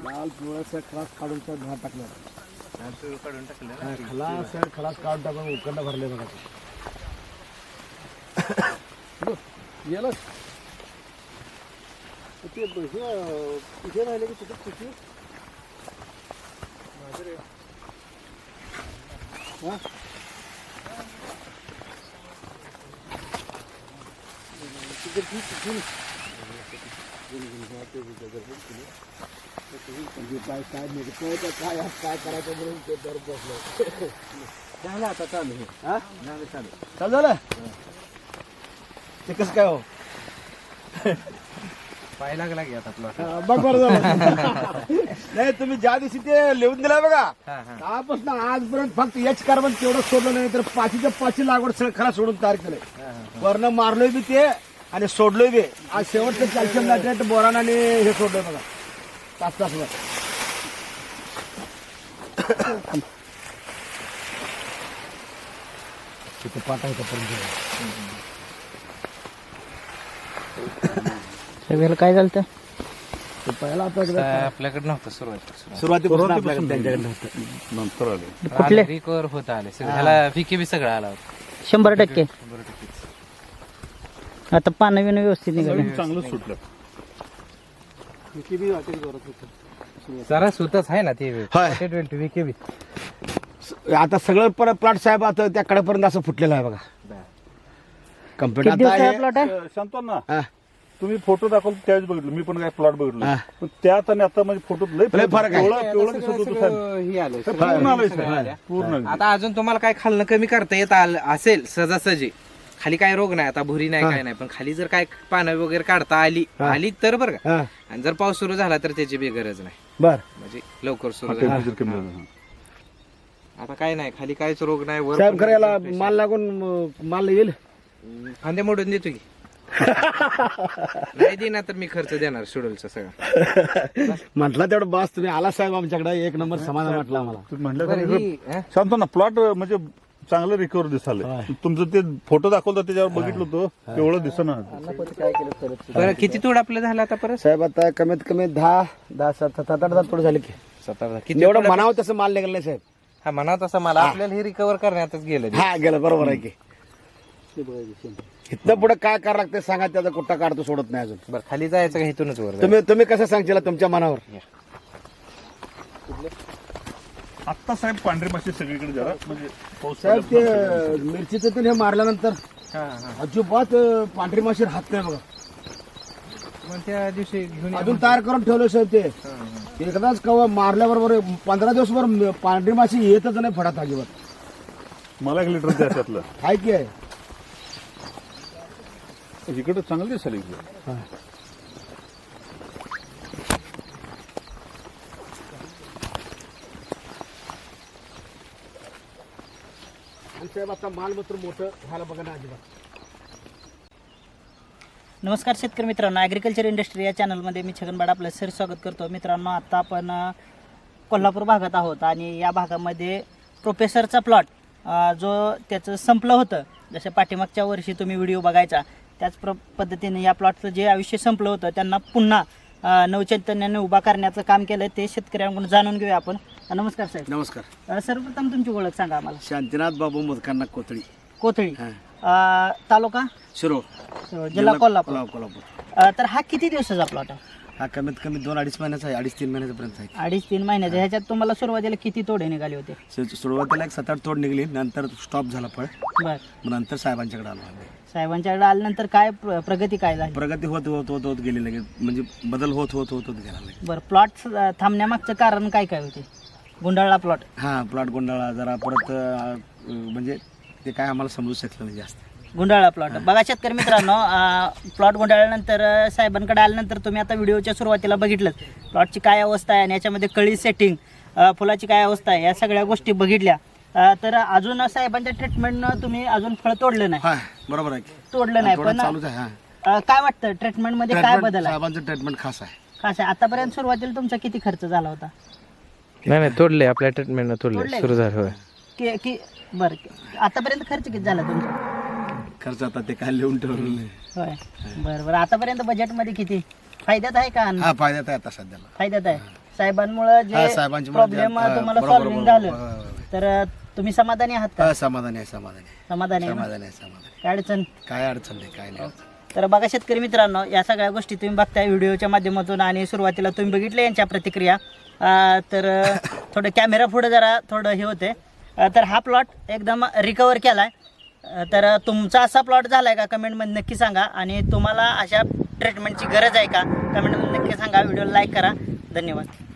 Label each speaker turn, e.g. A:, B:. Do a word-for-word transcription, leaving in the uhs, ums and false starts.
A: लाल पिवळा खलास काढून घाट टाकलं
B: काढून टाकलं
A: खलास खलास काढून टाकून उकंड भरले बघा गेलं ते तिथे राहिले की तिथे तिथे हा तिथे तिथे काय काय नाही काय काय करायचं म्हणून ते दर बसलं झालं आता चालू हा झालं चालू चालू झालं ते कसं काय हो
B: पाय लागला की आता प्लॉट
A: बघ बरं झालं नाही तुम्ही ज्या दिवशी ते लिहून दिलाय बघा त्यापासून आजपर्यंत फक्त एच कार्बन तेवढं सोडलं नाही तर पाचीच्या पाचशे लागवड सगळं खरा सोडून तयार केलंय वरनं मारलोय बी ते आणि सोडलोय बी आज शेवटचं कॅल्शियम नायट्रेट बोरान आणि हे सोडलोय बघा तास तासवर तिथे पाठायचं पर्यंत
C: सगळ्याला काय झालं तर
A: पहिला आपल्याकडे
B: आपल्याकडे नव्हतं सुरुवात
A: सुरुवातीपासून आपल्याकडे त्यांच्याकडे नव्हतं
D: नंतर आले
C: कुठले
B: रिकवर होत आले सगळं ह्याला पिके बी सगळं आला होता
C: शंभर टक्के
B: शंभर टक्केच.
C: आता पानं बिनं व्यवस्थित निघाले
D: चांगलं सुटलं
A: बी वाटेल करत होतं
B: जरा सुतच आहे ना ते
A: होय.
B: ट्वेंटी विके बी
A: आता सगळं परत प्लॉट साहेब आता त्या कडेपर्यंत असं फुटलेलं आहे बघा कम्प्युटर
C: किती
A: आता
C: दिवसाचा
A: आहे
C: प्लॉट आहे
D: सांगतो ना
A: हा.
D: तुम्ही फोटो दाखवले त्यावेळेस बघितलं मी पण काय प्लॉट बघितलं
A: हा.
D: पण त्यात आणि आता म्हणजे फोटो लय
A: लय फरक आहे.
D: पिवळं- पिवळं दिसत होतं साहेब.
B: हे आलं
D: पूर्ण आलंय साहेब. पूर्ण
B: आता अजून तुम्हाला काय खाल्लं कमी करता येत आलं असेल सहजासहजी खाली काय रोग नाही आता भुरी नाही काय नाही पण खाली जर काय पानं वगैरे काढता आली आली तर बरं का
A: हा
B: आणि जर पाऊस सुरू झाला तर त्याची बी गरज नाही
A: बर
B: म्हणजे लवकर सुरू झाला
D: टेम्परेचर कमी झालं.
B: आता काय नाही खाली काहीच रोग नाही वर
A: साहेब
B: पण
A: खरं याला
B: pressure.
A: माल लागून अं, माल येईल
B: फांदे मोडून देतो की नाही देणार तर मी खर्च देणार शेड्यूलचा सगळा
A: म्हटलं तेवढं बस तुम्ही आला साहेब आमच्याकडे एक नंबर समाधान वाटलं आम्हाला
D: तुम्ही म्हणलं
B: बरं,
D: का
B: ही, हं?
D: सांगतो ना प्लॉट म्हणजे चांगलं रिकवर दिसाले
A: होय.
D: तुमचं ते फोटो दाखवलं त्याच्यावर बघितलं होतं तेवढं दिसना
B: बरं किती तोड आपलं झालं आता परत
A: साहेब आता कमीत कमी दहा दहा सात सात आठ दहा थोडं झाले की
B: सतरा किती
A: एवढं
B: तोडा-
A: म्हणावं तसं माल निघालं नाही साहेब
B: हा म्हणा तसं मला आपल्याला हे रिकवर करण्यातच गेलं
A: हा गेलं बरोबर आहे की इथनं पुढे काय करावं लागतं सांगा त्याचा कुठं काढतो सोडत नाही अजून
B: बरं खाली जायचं का इथूनच वर जायचं?
A: तुम्ही तुम्ही कसं सांगशील तुमच्या मनावर
D: आता साहेब पांढरी माशी सगळीकडे जरा म्हणजे पाऊस
A: साहेब ते
D: पडल्यापासून
A: मिरचीचं तेल हे मारल्यानंतर
B: हा, हा.
A: अजिबात अं, पांढरी माशी राहत नाही बघा
B: मग त्या दिवशी घेऊन या.
A: अजून तयार करून ठेवलं साहेब ते
B: हा, हा.
A: एकदाच कवा मारल्याबरोबर पंधरा दिवसभर पांढरी माशी येतच नाही फडात अजिबात
D: मला एक लिटर द्या त्यातलं
A: हाय की आहे
D: इकडे चांगलं दिसायला इकडे
A: आणि साहेब आता मालमत्र मोठं व्हायला बघा ना अजिबात
C: नमस्कार शेतकरी मित्रांनो ॲग्रिकल्चर इंडस्ट्री या चॅनलमध्ये मी छगनबाड आपलं सर स्वागत करतो. मित्रांनो आता आपण अ, कोल्हापूर भागात आहोत आणि या भागामध्ये प्रोफेसरचा प्लॉट जो त्याचं संपलं होतं जसं पाठीमागच्या वर्षी तुम्ही व्हिडिओ बघायचा त्याच प्र पद्धतीने या प्लॉटचं जे आयुष्य संपलं होतं त्यांना पुन्हा अ, नवचैतन्याने उभा करण्याचं काम केलं ते शेतकऱ्यांकडून जाणून घेऊया आपण. अ, नमस्कार साहेब.
A: नमस्कार
C: अ, सर्वप्रथम तुमची ओळख सांगा आम्हाला.
A: शांतीनाथ बाबू मुदकांना कोथळी
C: कोथळी
A: हा.
C: अ, तालुका
A: शिरोळ
C: जिल्हा कोल्हापूर.
A: कोल्हापूर
C: अ, तर हा किती दिवसाचा प्लॉट आहे?
A: हा कमीत कमी दोन अडीच महिन्याचा आहे अडीच तीन महिन्यापर्यंत आहे
C: अडीच तीन महिन्याचे. ह्याच्यात तुम्हाला सुरुवातीला किती तोडे निघाले होते?
A: सु- सुरुवातीला एक सात आठ तोड निघली नंतर स्टॉप झाला फळ
C: बर
A: मग नंतर साहेबांच्याकडे आलो आम्ही.
C: साहेबांच्याकडे आल्यानंतर काय प्र- प्रगती काय झाली?
A: प्रगती होत होत होत होत गेली लगेच म्हणजे बदल होत होत होत होत गेला लगेच.
C: बरं प्लॉट थांबण्यामागचं कारण काय काय होते? गुंडाळला प्लॉट.
A: हा प्लॉट गोंधळा जरा परत अं, म्हणजे ते काय आम्हाला समजू शकलं नाही जास्त.
C: गुंडाळा प्लॉट. बघा शेतकरी मित्रांनो प्लॉट गुंडाळल्यानंतर अं, साहेबांकडे आल्यानंतर तुम्ही आता व्हिडिओच्या सुरुवातीला बघितलं प्लॉटची काय अवस्था आहे आणि याच्यामध्ये कळी सेटिंग फुलाची काय अवस्था आहे या सगळ्या गोष्टी बघितल्या. अं, तर अजून साहेबांच्या ट्रीटमेंटनं तुम्ही अजून फळ तोडलं नाही.
A: हा बरोबर आहे की.
C: तोडलं नाही
A: थोडं
C: पण
A: चालूच आहे हा
C: अं, काय वाटतं ट्रीटमेंटमध्ये काय
A: ट्रीटमेंट
C: बदल आहे?
A: साहेबांचं ट्रीटमेंट खास आहे.
C: कसं आहे आतापर्यंत सुरुवातीला तुमचा किती खर्च झाला होता?
B: नाही नाही तोडले आपल्या ट्रीटमेंट
C: तोडले?
B: तोडले सुरू झालं होय.
C: की की बरं आतापर्यंत खर्च किती झाला तुमचा?
A: खर्च आता ते काय लिहून ठेवलं नाही.
C: होय बरं बरं आतापर्यंत बजेटमध्ये किती फायद्यात आहे का अन्न?
A: हा फायद्यात आहे आता सध्याला.
C: फायद्यात आहे. साहेबांमुळे
A: हा,
C: जे
A: साहेबांची
C: प्रॉब्लेम
A: हा,
C: तुम्हाला
A: बरोबर,
C: सॉल्व्हिंग
A: बरोबर.
C: झालं
A: हा, हा.
C: तर अ, तुम्ही समाधानी आहात का
A: हा, समाधानी आहे समाधानी आहे.
C: समाधानी आहे ना?
A: समाधानी आहे समाधानी आहे.
C: काय अडचण
A: काय अडचण नाही काय नाही अडचण.
C: तर बघा शेतकरी मित्रांनो, या सगळ्या गोष्टी तुम्ही बघताय व्हिडिओच्या माध्यमातून आणि सुरुवातीला तुम्ही बघितले यांच्या प्रतिक्रिया. अ, तर अ, थोडं कॅमेरा पुढे जरा थोडं हे होते. अ, तर हा प्लॉट एकदम रिकवर केला आहे. तर अ, तुमचा असा प्लॉट झाला आहे का कमेंटमध्ये नक्की सांगा. आणि तुम्हाला अशा ट्रीटमेंटची गरज आहे का कमेंटमध्ये नक्की सांगा. व्हिडिओला लाईक करा. धन्यवाद.